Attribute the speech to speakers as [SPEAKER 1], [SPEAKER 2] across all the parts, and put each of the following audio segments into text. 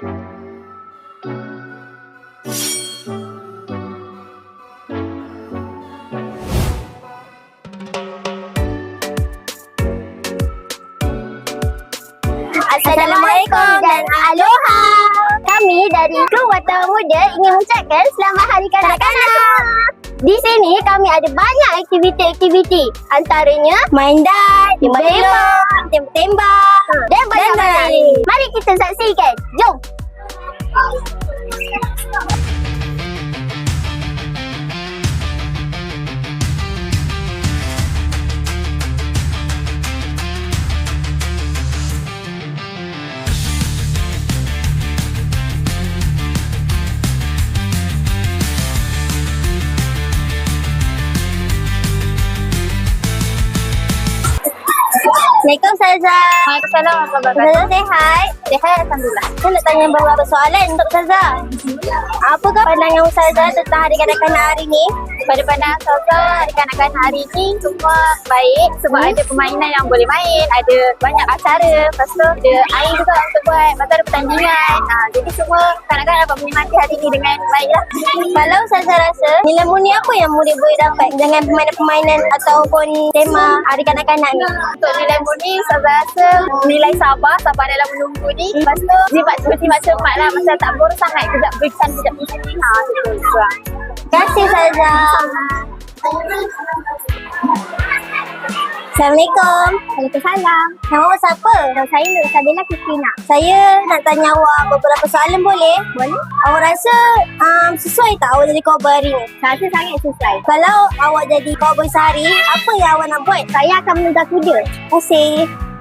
[SPEAKER 1] Assalamualaikum dan aloha. Kami dari Kru Wartawan Muda ingin mengucapkan Selamat Hari Kanak-Kanak. Di sini kami ada banyak aktiviti-aktiviti. Antaranya main dart, tembak-tembak dan banyak lain. Mari kita saksikan. Jom. Assalamualaikum Ustazah.
[SPEAKER 2] Waalaikumsalam warahmatullahi
[SPEAKER 1] Ustazah sihat?
[SPEAKER 2] Sihat, alhamdulillah.
[SPEAKER 1] Saya nak tanya beberapa soalan untuk Ustazah. Apakah pandangan Ustazah tentang Hari Kanak-Kanak hari ni?
[SPEAKER 2] Pada pandangan Ustazah, Hari Kanak-Kanak hari ni semua baik sebab ada permainan yang boleh main, ada banyak acara, lepas tu ada air juga untuk buat, lepas tu ada pertandingan. Jadi semua kanak-kanak dapat menikmati hari ni dengan baik lah.
[SPEAKER 1] Kalau Ustazah rasa nilai murni apa yang murid boleh dapat dengan permainan-permainan ataupun tema Hari Kanak-Kanak ni?
[SPEAKER 2] Untuk nilai murni, Ustazah rasa nilai sabar dalam menunggu ni. Lepas tu jimat cermat lah, macam tak boros sangat, kejap berikan, kejap di sini. Betul.
[SPEAKER 1] Terima kasih Ustazah. Assalamualaikum.
[SPEAKER 2] Waalaikumsalam.
[SPEAKER 1] Nama awak siapa?
[SPEAKER 2] Nama saya Nur Sabila Kristina.
[SPEAKER 1] Saya nak tanya awak beberapa soalan boleh?
[SPEAKER 2] Boleh?
[SPEAKER 1] Awak rasa sesuai tak awak jadi cowboy hari ni?
[SPEAKER 2] Saya rasa sangat sesuai.
[SPEAKER 1] Kalau awak jadi cowboy sehari, apa yang awak nak buat?
[SPEAKER 2] Saya akan menunggang kuda.
[SPEAKER 1] Terima kasih.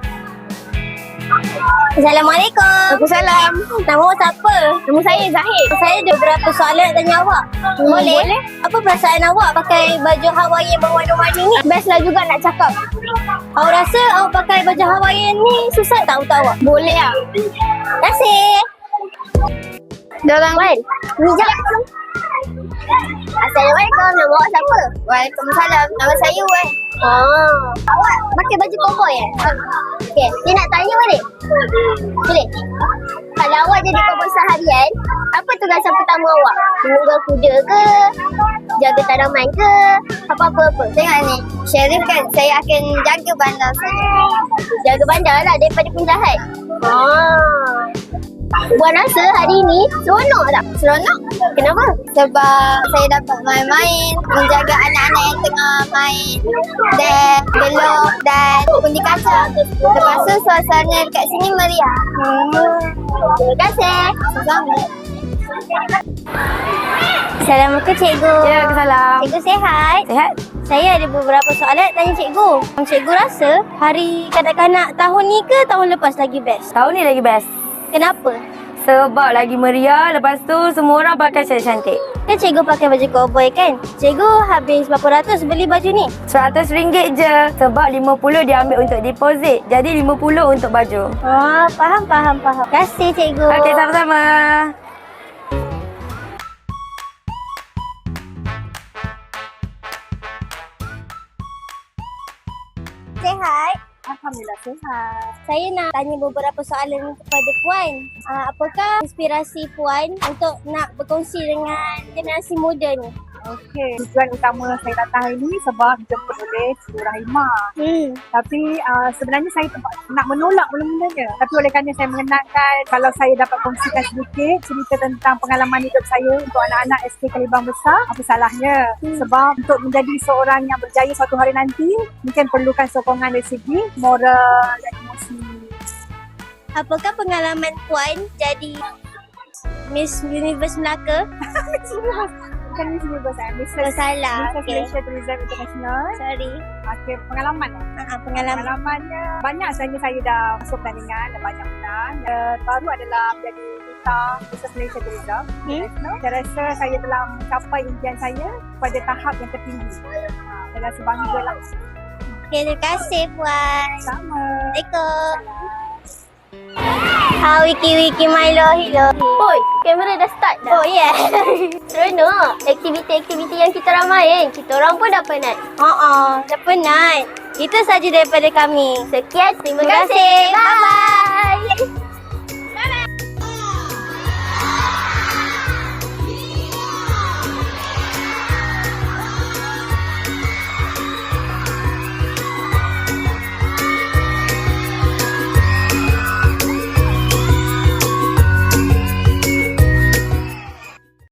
[SPEAKER 1] Assalamualaikum.
[SPEAKER 2] Waalaikumsalam.
[SPEAKER 1] Nama awak siapa?
[SPEAKER 2] Nama saya Zahid.
[SPEAKER 1] Saya ada beberapa soalan nak tanya awak. Boleh?
[SPEAKER 2] Boleh.
[SPEAKER 1] Apa perasaan awak pakai baju Hawaiian berwarna-warni ni?
[SPEAKER 2] Best lah juga nak cakap.
[SPEAKER 1] Awak rasa awak pakai baju Hawaiian ni susah tak untuk awak?
[SPEAKER 2] Boleh lah.
[SPEAKER 1] Terima kasih.
[SPEAKER 2] Ada orang lain?
[SPEAKER 1] Ni je. Assalamualaikum. Nama awak siapa?
[SPEAKER 2] Waalaikumsalam. Nama saya Wan.
[SPEAKER 1] Awak pakai baju cowboy Okey, dia nak tanya balik? Boleh? Kalau awak jadi cowboy seharian, apa tugasan pertama awak? Menunggang kuda ke? Jaga tanaman ke? Apa-apa?
[SPEAKER 2] Tengok ni. Sheriff kan, saya akan jaga bandar saya.
[SPEAKER 1] Jaga bandar lah daripada penjahat. Buat rasa hari ni seronok tak?
[SPEAKER 2] Seronok?
[SPEAKER 1] Kenapa?
[SPEAKER 2] Sebab saya dapat main-main, menjaga anak-anak yang tengah main dan gelok dan undi kaca. Lepas tu suasana dekat sini meriah.
[SPEAKER 1] Terima kasih.
[SPEAKER 2] Sama.
[SPEAKER 1] Assalamualaikum cikgu.
[SPEAKER 2] Waalaikumsalam.
[SPEAKER 1] Cikgu sihat?
[SPEAKER 2] Sihat?
[SPEAKER 1] Saya ada beberapa soalan nak tanya cikgu. Cikgu rasa hari kanak-kanak tahun ni ke tahun lepas lagi best?
[SPEAKER 3] Tahun ni lagi best.
[SPEAKER 1] Kenapa?
[SPEAKER 3] Sebab lagi meriah, lepas tu semua orang pakai cantik-cantik.
[SPEAKER 1] Kan cikgu pakai baju cowboy kan? Cikgu habis berapa ratus beli baju ni?
[SPEAKER 3] RM100 je. Sebab 50 dia ambil untuk deposit. Jadi 50 untuk baju.
[SPEAKER 1] Faham. Terima kasih cikgu.
[SPEAKER 3] Okey, sama-sama.
[SPEAKER 1] Sihat?
[SPEAKER 2] Alhamdulillah sihat.
[SPEAKER 1] Saya nak tanya beberapa soalan kepada Puan. Apakah inspirasi Puan untuk nak berkongsi dengan generasi muda ni?
[SPEAKER 4] Okey, tujuan utama saya datang hari ni sebab dijemput oleh Cikgu Rahimah. Tapi sebenarnya saya nak menolak mula-mulanya. Tapi oleh kerana saya mengenalkan, kalau saya dapat kongsikan sedikit cerita tentang pengalaman hidup saya untuk anak-anak SK Kalibang Besar, apa salahnya? Sebab untuk menjadi seorang yang berjaya suatu hari nanti, mungkin perlukan sokongan dari segi moral dan emosi.
[SPEAKER 1] Apakah pengalaman Puan jadi Miss Universe Melaka?
[SPEAKER 4] Bukan Miss Universe, Miss
[SPEAKER 1] Salah.
[SPEAKER 4] Malaysia Tourism International.
[SPEAKER 1] Sorry.
[SPEAKER 4] Okey, pengalaman.
[SPEAKER 1] Pengalaman.
[SPEAKER 4] Pengalamannya banyak, sebenarnya saya dah masuk pertandingan dan banyak menang. Baru adalah menjadi duta Business Malaysia Tourism International. Saya rasa saya telah mencapai impian saya pada tahap yang tertinggi. Saya rasa bangga lah.
[SPEAKER 1] Okay, terima kasih Puan.
[SPEAKER 4] Sama.
[SPEAKER 1] Assalamualaikum. Wiki Milo, hello. Oi, kamera dah start dah. Oh yeah. Seronok. Aktiviti-aktiviti yang kita ramain, kita orang pun dah penat. Dah penat. Itu saja daripada kami. Sekian, terima kasih. Bye-bye.